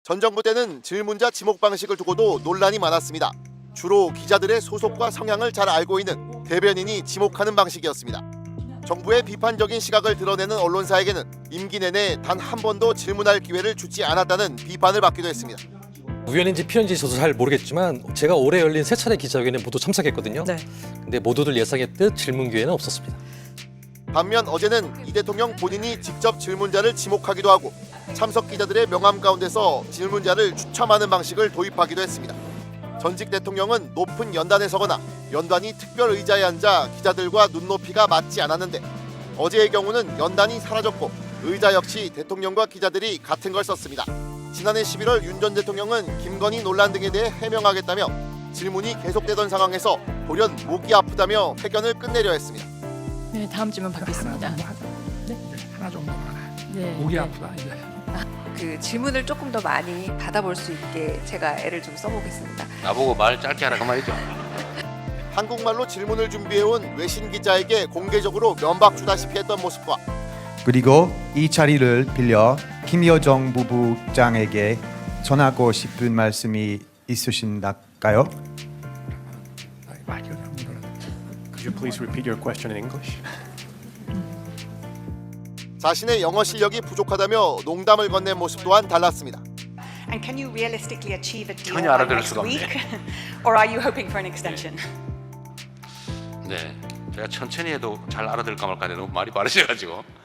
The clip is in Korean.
전 정부 때는 질문자 지목 방식을 두고도 논란이 많았습니다. 주로 기자들의 소속과 성향을 잘 알고 있는 대변인이 지목하는 방식이었습니다. 정부의 비판적인 시각을 드러내는 언론사에게는 임기 내내 단 한 번도 질문할 기회를 주지 않았다는 비판을 받기도 했습니다. 우연인지 필연인지 저도 잘 모르겠지만 제가 올해 열린 3차례 기자회견에 모두 참석했거든요. 네. 근데 모두들 예상했듯 질문 기회는 없었습니다. 반면 어제는 이 대통령 본인이 직접 질문자를 지목하기도 하고 참석 기자들의 명함 가운데서 질문자를 추첨하는 방식을 도입하기도 했습니다. 전직 대통령은 높은 연단에 서거나 연단이 특별 의자에 앉아 기자들과 눈높이가 맞지 않았는데 어제의 경우는 연단이 사라졌고 의자 역시 대통령과 기자들이 같은 걸 썼습니다. 지난해 11월 윤 전 대통령은 김건희 논란 등에 대해 해명하겠다며 질문이 계속되던 상황에서 돌연 목이 아프다며 회견을 끝내려 했습니다. 네, 다음 질문 받겠습니다. 하나 정도만 해. 네. 목이 아프다 이제. 그 질문을 조금 더 많이 받아볼 수 있게 제가 애를 좀 써보겠습니다. 나보고 말 짧게 하라 그 말이죠. 한국말로 질문을 준비해온 외신 기자에게 공개적으로 면박 주다시피 했던 모습과 그리고 이 자리를 빌려 김여정 부부장에게 전하고 싶은 말씀이 있으신가요? 말 그냥 물어라. Could you please repeat your question in English? 자신의 영어 실력이 부족하다며 농담을 건넨 모습 또한 달랐습니다. And can you realistically achieve a deal 전혀 by 알아들을 next 수가 없네. week? Or are you hoping for an extension? 네, 제가 천천히 해도 잘 알아들을까 말까 하는데 너무 말이 빠르셔가지고